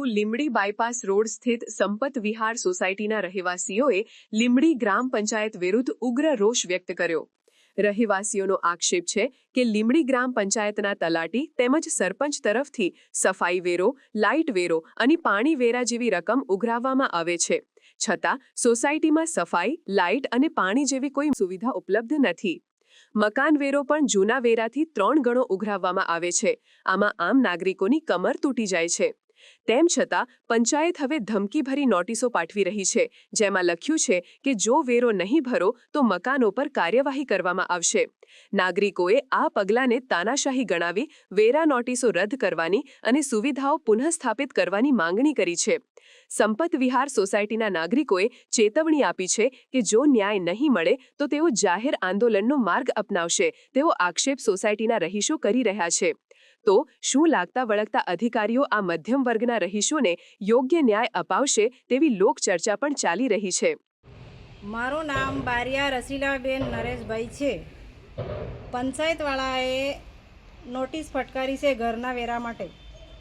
Limbdi bypass road સ્થિત સંપત વિહાર સોસાયટીના રહેવાસીઓએ લીંબડી ગ્રામ પંચાયત વિરુદ્ધ ઉગ્ર રોષ વ્યક્ત કર્યો। રહેવાસીઓનો આક્ષેપ છે કે લીંબડી ગ્રામ પંચાયતના તલાટી તેમજ સરપંચ તરફથી સફાઈ વેરો, લાઇટ વેરો અને પાણી વેરા જેવી રકમ ઉઘરાવવામાં આવે છે, છતાં સોસાયટીમાં સફાઈ, લાઇટ અને પાણી જેવી કોઈ સુવિધા ઉપલબ્ધ નથી। મકાન વેરો પણ જૂના વેરાથી 3 ગણો ઉઘરાવવામાં આવે છે। આમાં આમ નાગરિકોની કમર તૂટી જાય છે। તેમ છતાં પંચાયત હવે ધમકીભરી નોટિસો પાઠવી રહી છે, જેમાં લખ્યું છે કે જો વેરો નહીં ભરો તો મકાનો પર કાર્યવાહી કરવામાં આવશે। નાગરિકોએ આ પગલાંને તાનાશાહી ગણાવી વેરા નોટિસો રદ કરવાની અને સુવિધાઓ પુનઃસ્થાપિત કરવાની માંગણી કરી છે। સંપત વિહાર સોસાયટીના નાગરિકોએ ચેતવણી આપી છે કે જો ન્યાય નહીં મળે તો તેઓ જાહેર આંદોલનનો માર્ગ અપનાવશે તેવો આક્ષેપ સોસાયટીના રહીશો કરી રહ્યા છે। તો શું લાગતા વળગતા અધિકારીઓ આ મધ્યમ વર્ગના રહીશોને યોગ્ય ન્યાય અપાવશે તેવી લોકચર્ચા પણ ચાલી રહી છે। મારું નામ બારિયા રસીલાબેન નરેશભાઈ છે। પંચાયતવાળાએ નોટિસ ફટકારી છે ઘરના વેરા માટે।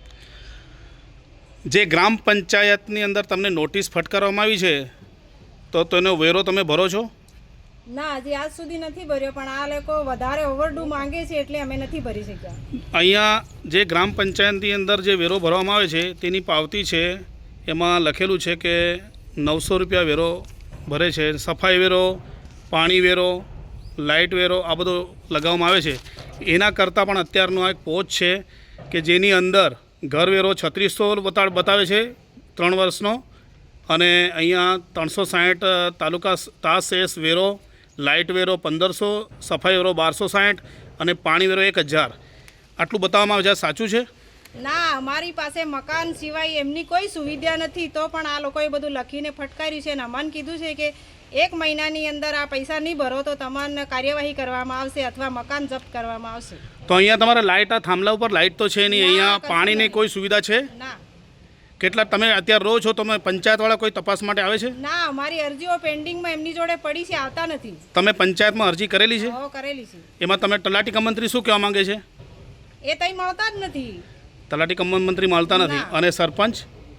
જે ગ્રામ પંચાયતની અંદર તમને નોટિસ ફટકારવામાં આવી છે તો તેનો વેરો તમે ભરો છો? ના, હજી આજ સુધી નથી ભર્યો, પણ આ લોકો વધારે ઓવરડ્યુ માંગે છે એટલે અમે નથી ભરી શક્યા। અહીંયા જે ગ્રામ પંચાયતની અંદર જે વેરો ભરવામાં આવે છે તેની પાવતી છે, એમાં લખેલું છે કે 900 રૂપિયા વેરો ભરે છે। સફાઈ વેરો, પાણી વેરો, લાઇટ વેરો આ બધો લગાવવામાં આવે છે। એના કરતાં પણ અત્યારનો એક પોચ છે કે જેની અંદર ઘર વેરો 3600 બતાવે છે 3 વર્ષનો, અને અહીંયા 360 તાલુકા તાસેસ વેરો, લાઇટ વેરો 1500, સફાઈ વેરો 1260 અને પાણી વેરો 1000 આટલું બતાવવામાં આવે છે। સાચું છે? ના, અમારી પાસે મકાન સિવાય એમની કોઈ સુવિધા નથી, તો પણ આ લોકોએ બધું લખીને ફટકાર્યું છે અને અમને કીધું છે કે 1 મહિનાની અંદર આ પૈસા નહીં ભરો તો તમને કાર્યવાહી કરવામાં આવશે અથવા મકાન જપ્ત કરવામાં આવશે। તો અહીંયા તમારે લાઇટ, આ થાંભલા ઉપર લાઇટ તો છે નહીં, અહીંયા પાણીની કોઈ સુવિધા છે? ના। કેટલા તમે અત્યારે રહો છો, તમે પંચાયતવાળા કોઈ તપાસ માટે આવે છે? ના, અમારી અરજીઓ પેન્ડિંગમાં એમની જોડે પડી છે, આવતા નથી। તમે પંચાયતમાં અરજી કરેલી છે? હો, કરેલી છે। એમાં તમે તલાટી કમ મંત્રી શું કહેવા માંગે છે? એ તઈ મળતા જ નથી। તલાટી કમ મંત્રી મળતા નથી, અને સરપંચ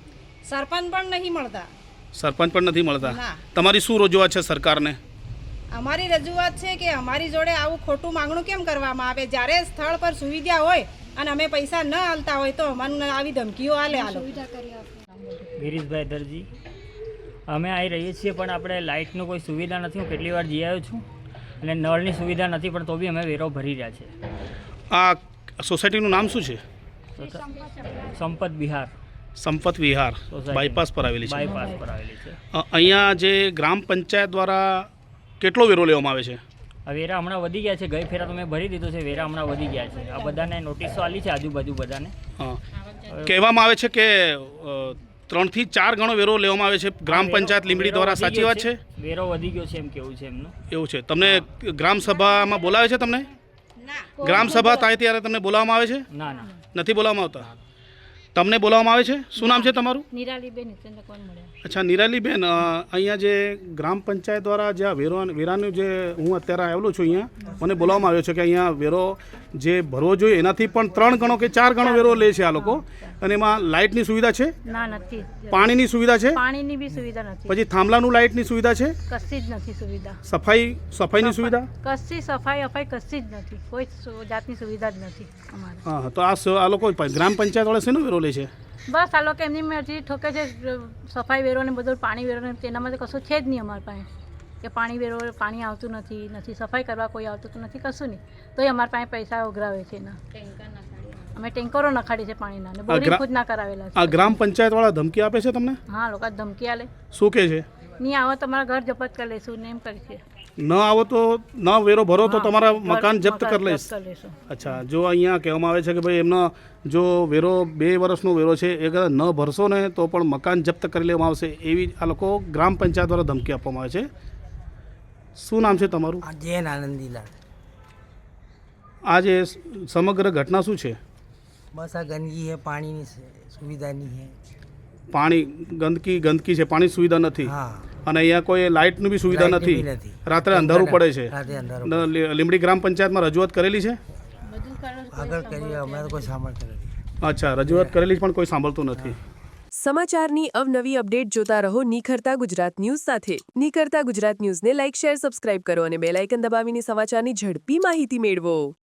પણ નહીં મળતા। સરપંચ પણ નથી મળતા। ના। તમારી શું રજૂઆત છે સરકારને? અમારી રજૂઆત છે કે અમારી જોડે આવું ખોટું માંગણું કેમ કરવામાં આવે? જ્યારે સ્થળ પર સુવિધા હોય અને અમે પૈસા ન હાલતા હોય તો અમને આવી ધમકીઓ આલે। ગિરીશભાઈ દરજી, અમે આવી રહીએ છીએ પણ આપણે લાઇટનું કોઈ સુવિધા નથી। હું કેટલી વાર જઈ આવ્યો છું અને નળની સુવિધા નથી, પણ તો બી અમે વેરો ભરી રહ્યા છે। આ સોસાયટીનું નામ શું છે? સંપત વિહાર। સંપત વિહાર બાયપાસ પર આવેલી છે। બાયપાસ પર આવેલી છે। અહીંયા જે ગ્રામ પંચાયત દ્વારા કેટલો વેરો લેવામાં આવે છે? આ વેરા હમણાં વધી ગયા છે, ગઈ ફેરા તો મેં ભરી દીધું છે, વેરા હમણાં વધી ગયા છે। આ બધાને નોટિસો આલી છે આજુબાજુ બધાને। હા, કહેવામાં આવે છે કે 3 થી 4 ગણો વેરો લેવામાં આવે છે ગ્રામ પંચાયત લીંબડી દ્વારા, સાચી વાત છે? વેરો વધી ગયો છે એમ કેવું છે એમનું। એવું છે? તમને ગ્રામ સભામાં બોલાવે છે? તમને ગ્રામ સભા થાય ત્યારે તમને બોલાવવામાં આવે છે? ના ના, નથી બોલાવવામાં આવતા। તમને બોલાવવામાં આવે છે? શું નામ છે તમારું? નિરાલીબેન ચંદ્રકોન મળ્યા। અચ્છા, નિરાલીબેન, અહીંયા જે ગ્રામ પંચાયત દ્વારા જે વેરાનું જે હું અત્યારે આવેલો છું, અહીંયા મને બોલાવવામાં આવ્યો છે કે અહીંયા વેરો જે ભરવો જોઈએ એનાથી પણ 3 ગણો કે 4 ગણો વેરો લે છે આ લોકો, અને એમાં લાઇટની સુવિધા છે? ના, નથી। પાણીની સુવિધા છે? પાણીની બી સુવિધા નથી। પછી થાંભલાનું લાઇટની સુવિધા છે? કશી જ નથી સુવિધા। સફાઈની સુવિધા? કશી સફાઈ કશી જ નથી, કોઈ જાતની સુવિધા જ નથી અમારે। હા, તો આ લોકો ગ્રામ પંચાયત વાળા શેનો વેરો લે છે? બસ આ લોકો એમની મરજી ઠોકે છે, સફાઈ વેરો ને બધું, પાણી વેરો ને તેનામાં તો કશું છે જ નહીં અમારી પાસે, કે પાણી વેરો, પાણી આવતું નથી, સફાઈ કરવા કોઈ આવતું તો નથી, કશું નહીં, તોય અમારી પાસે પૈસા ઉઘરાવે છે એના। અમે ટેન્કરો નખાડી છે પાણીના, ને બોરિંગ ખુદ ના કરાવેલા છે। આ ગ્રામ પંચાયત વાળા ધમકી આપે છે તમને? હા, લોકો ધમકી આલે। શું કહે છે? નહીં આવો તમારા ઘર જપ્ત કરી લઈશું ને એમ કરી છે। ન આવો તો ન વેરો ભરો તો તમારા મકાન જપ્ત કરી લઈશ। અચ્છા, જો અહીંયા કહેવામાં આવે છે કે ભાઈ એમનો જો વેરો 2 વર્ષનો વેરો છે એ અગર ન ભરશો ને તો પણ મકાન જપ્ત કરી લેવામાં આવશે, એવી આ લોકો ગ્રામ પંચાયત દ્વારા ધમકી આપવામાં આવે છે। શું નામ છે તમારું? જૈન આનંદીલાલ। આ જે સમગ્ર ઘટના શું છે? બસ આ ગંદકી है, પાણીની સુવિધા નહીં है। પાણી ગંદકી છે, પાણી સુવિધા નથી। હા, અને અહીંયા કોઈ લાઇટની બી સુવિધા નથી, રાત્રે અંધારું પડે છે। લીંબડી ગ્રામ પંચાયતમાં રજૂઆત કરેલી છે? આગળ કરી, અમે તો કોઈ સાંભળતા નથી। અચ્છા, રજૂઆત કરેલી પણ કોઈ સાંભળતું નથી। સમાચારની અવનવી અપડેટ જોતા રહો નિખરતા ગુજરાત ન્યૂઝ સાથે. નિખરતા ગુજરાત ન્યૂઝને લાઇક, શેર, સબસ્ક્રાઇબ કરો અને બેલ આઇકન દબાવીને સમાચારની ઝડપી માહિતી મેળવો.